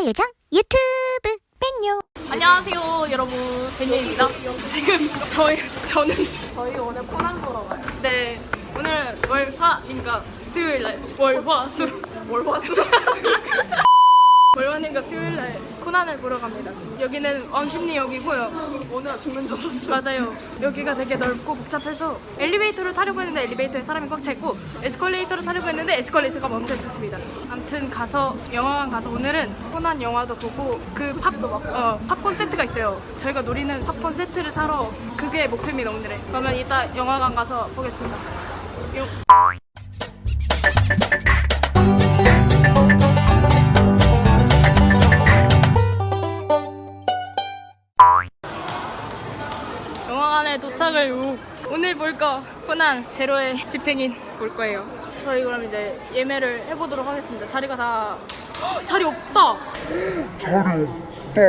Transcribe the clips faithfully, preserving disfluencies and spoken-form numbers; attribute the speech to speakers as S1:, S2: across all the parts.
S1: 채널 요정 유튜브 벤요.
S2: 안녕하세요 여러분, 벤요입니다. 지금 저희 저는
S3: 저희 오늘 코난 보러 가요.
S2: 네 오늘 월화님과 수요일날 월화수
S3: 월화수?
S2: 월화님과 수요일날 코난을 보러 갑니다. 여기는 왕십리역이고요.
S3: 오늘 죽는 줄 알았어.
S2: 맞아요. 여기가 되게 넓고 복잡해서 엘리베이터를 타려고 했는데 엘리베이터에 사람이 꽉 차 있고 에스컬레이터를 타려고 했는데 에스컬레이터가 멈춰 있었습니다. 아무튼 가서 영화관 가서 오늘은 코난 영화도 보고 그 팝, 어, 팝콘 세트가 있어요. 저희가 노리는 팝콘 세트를 사러, 그게 목표입니다 오늘의. 그러면 이따 영화관 가서 보겠습니다. 요. 영화관에 도착을 후 오늘 볼까 코난 제로의 집행인 볼 거예요. 저희 그럼 이제 예매를 해보도록 하겠습니다. 자리가 다 헉, 자리 없다.
S4: 자리 없다.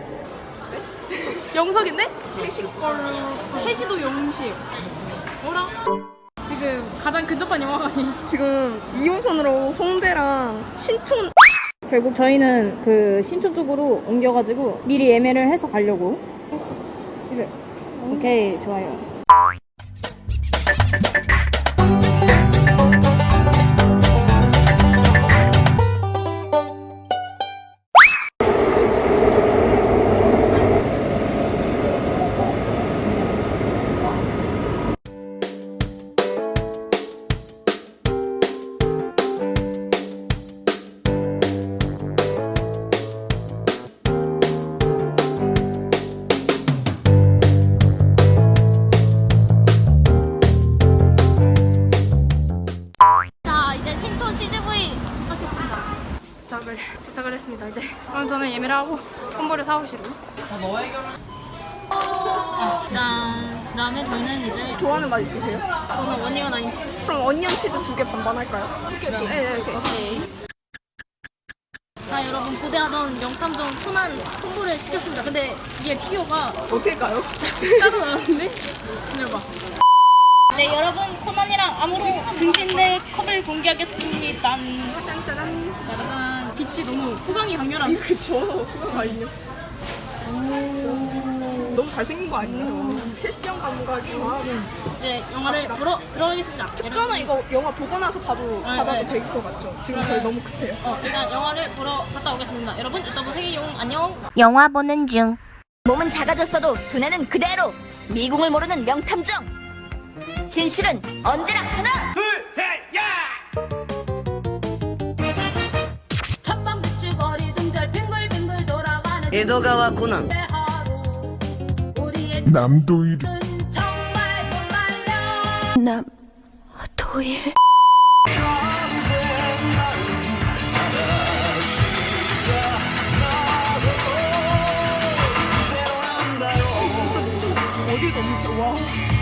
S2: 영석인데?
S3: 셋이 걸로.
S2: 세시도 영식. 뭐라? 지금 가장 근접한 영화관이.
S3: 지금 이 호선으로 홍대랑 신촌.
S2: 결국 저희는 그 신촌 쪽으로 옮겨가지고 미리 예매를 해서 가려고. 오케이, 좋아요. 도착을, 도착을 했습니다. 이제 그럼 저는 예매를 하고 콤보를 사오시로.
S5: 짠. 그다음에 저희는 이제
S3: 좋아하는 맛 있으세요?
S5: 저는 원이건 아닌 치즈.
S3: 그럼 어니언 치즈 두 개 반반 할까요? 오케이, 오케이. 네, 네, 오케이.
S5: 오케이. 자, 여러분 고대하던 명탐정 코난 콤보를 시켰습니다. 근데 이게 피규어가
S3: 어떻게 가요?
S5: 따로 나왔는데? 기다려봐. 네, 여러분 코난이랑 암으로 등신대 컵을 공개하겠습니다.
S3: 짠짜잔.
S5: 짜잔. 빛이 너무 후광이 강렬한.
S3: 그쵸. 그거 아니에요? 너무 잘생긴 거 아니에요? 패션 감각이 막.
S5: 이제 영화를 보러 들어가겠습니다.
S3: 특전은 이거 영화 보고 나서 봐도,
S5: 네,
S3: 받아도
S5: 네.
S3: 될 것 같죠? 지금 저희 너무 급해요.
S5: 어, 일단 영화를 보러 갔다 오겠습니다. 여러분 이따 보세요. 안녕.
S1: 영화 보는 중.
S6: 몸은 작아졌어도 두뇌는 그대로. 미궁을 모르는 명탐정. 진실은 언제나 하나.
S5: 첫방 비추거리 등절 빙글빙글 돌아가는
S6: 에도가와 코난.
S5: 하루. 우리의
S4: 남도일.
S5: 뜻은 정말 정말요.
S6: 남 도일.
S3: 어딜 너무 좋아.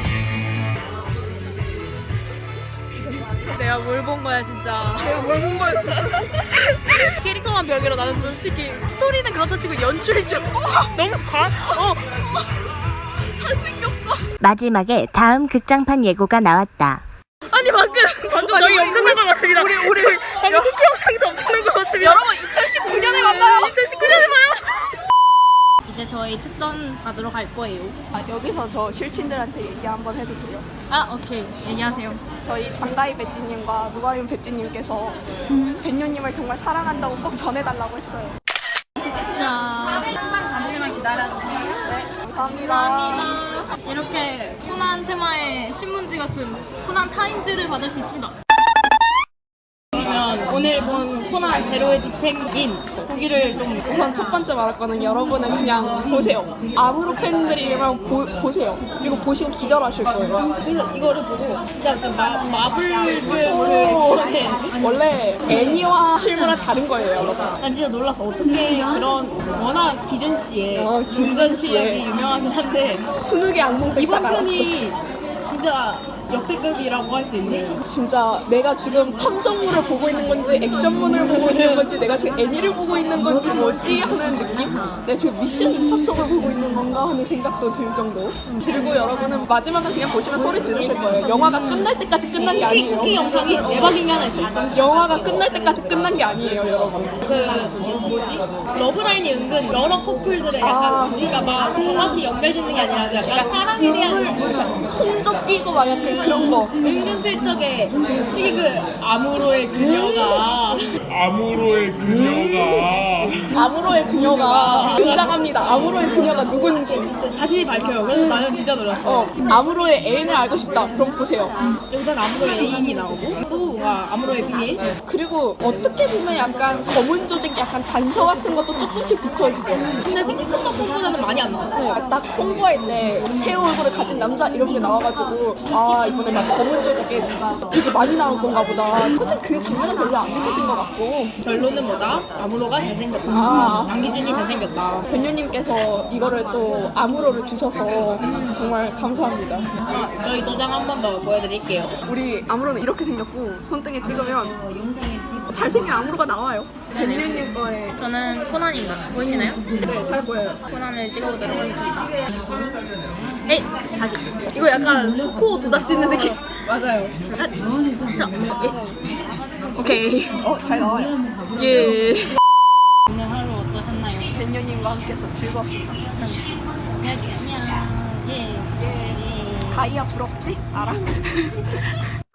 S2: 내가 뭘 본 거야 진짜.
S3: 내가 뭘 본 거야, 진짜.
S2: 캐릭터만 별개로 나는 솔직히 스토리는 그렇다 치고 연출이 좀 어, 너무 과. 어.
S3: 잘생겼어.
S1: 마지막에 다음 극장판 예고가 나왔다.
S2: 아니 방금 방금
S3: 아니,
S2: 저희
S3: 우리,
S2: 엄청난 걸 봤습니다.
S3: 우리, 우리.
S2: 저희 방금 쿠키 영상에서 엄청난 걸 봤습니다.
S3: 여러분, 이천십구 년에 만나요.
S2: 이천십구 년에 봐요.
S5: 이제 저희 특전 받으러 갈 거예요.
S3: 아, 여기서 저 실친들한테 얘기 한번 해도 돼요?
S5: 아, 오케이. 얘기하세요.
S3: 저희 장가희 배지님과 누가리움 배지님께서 벤요님을 정말 사랑한다고 꼭 전해달라고 했어요.
S5: 자, 항상 잠시만 기다려주세요.
S3: 네, 감사합니다.
S5: 감사합니다. 이렇게 코난 테마의 신문지 같은 코난 타임즈를 받을 수 있습니다. 그러면 오늘 본 코난 제로의 집행인 보기를 좀
S3: 우선 첫 번째 말할 거는 여러분은 그냥 보세요. 아무로 팬들이면 보, 보세요. 이거 보시고 기절하실 거예요.
S5: 그래서 이거를 보고 진짜 진짜 마, 마블 그
S3: 오.
S5: 지원에
S3: 원래 애니와 실물은 다른 거예요, 여러분.
S5: 난 진짜 놀랐어. 어떻게 그런 워낙 기준 씨의
S3: 어,
S5: 운전
S3: 기준 씨의.
S5: 실력이 유명하긴 한데
S3: 수능의 악몽
S5: 이번
S3: 뺐다가 알았어.
S5: 편이 진짜
S2: 역대급이라고 할 수 있는.
S3: 진짜 내가 지금 탐정물을 보고 있는 건지 액션문을 보고 있는 건지 내가 지금 애니를 보고 있는 건지 뭐지 하는 느낌? 내가 지금 미션 임파서블 보고 있는 건가 하는 생각도 들 정도. 그리고 여러분은 마지막은 그냥 보시면 소리 지르실 거예요. 영화가 끝날 때까지 끝난 게 아니에요.
S2: 쿠키 영상이 대박인 게 하나 있어요.
S3: 영화가 끝날 때까지 끝난 게 아니에요, 여러분.
S2: 그 뭐지? 러브라인이 은근 여러 커플들의 약간
S3: 아.
S2: 우리가 막 정확히 연결짓는 게 아니라 약간 사랑에 대한
S3: 통접 뛰고 막 약간 그런 거.
S2: 은근슬쩍에 되게 그 아무로의 그녀가
S4: 아무로의 그녀가
S3: 아무로의 그녀가 등장합니다. 아무로의 그녀가 누군지.
S2: 자신이 밝혀요. 그래서 나는 진짜 놀랐어.
S3: 어, 아무로의 애인을 알고 싶다. 그럼 보세요.
S2: 여기서는 아무로의 애인이 나오고 또 와, 아무로의 비밀.
S3: 그리고 어떻게 보면 약간 검은 조직 약간 단서 같은 것도 조금씩 비춰지죠.
S2: 근데 생각했던 것보다는 많이 안 나왔어요.
S3: 네, 딱 홍보할 때 새 얼굴을 가진 남자 이런 게 나와가지고 아 이번에 막 검은 조직에 되게 많이 나올 건가 보다. 솔직히 그 장면은 별로 안 비춰진 것 같고
S2: 결론은 뭐다? 아무로가 잘생겼다.
S3: 아.
S2: 양기준이 잘생겼다.
S3: 변유님께서 이거를 또 아무로를 주셔서 정말 감사합니다.
S2: 저희 도장 한 번 더 보여드릴게요.
S3: 우리 아무로는 이렇게 생겼고 손등에 찍으면 잘생긴 아무로가 나와요. 변유님 거에
S5: 저는 코난입니다. 보이시나요?
S3: 네, 잘 보여요.
S5: 코난을 찍어보도록 하겠습니다.
S2: 에이, 다시. 이거 약간 코 도장 찍는 느낌.
S3: 맞아요.
S2: 자, 예. 오케이.
S3: 어, 잘 나와요.
S2: 예.
S5: 오늘 하루 어떠셨나요?
S3: 변유님과 함께해서 즐거웠습니다.
S5: 여기 안녕. 예.
S3: 예. 가이아 부럽지? 알아?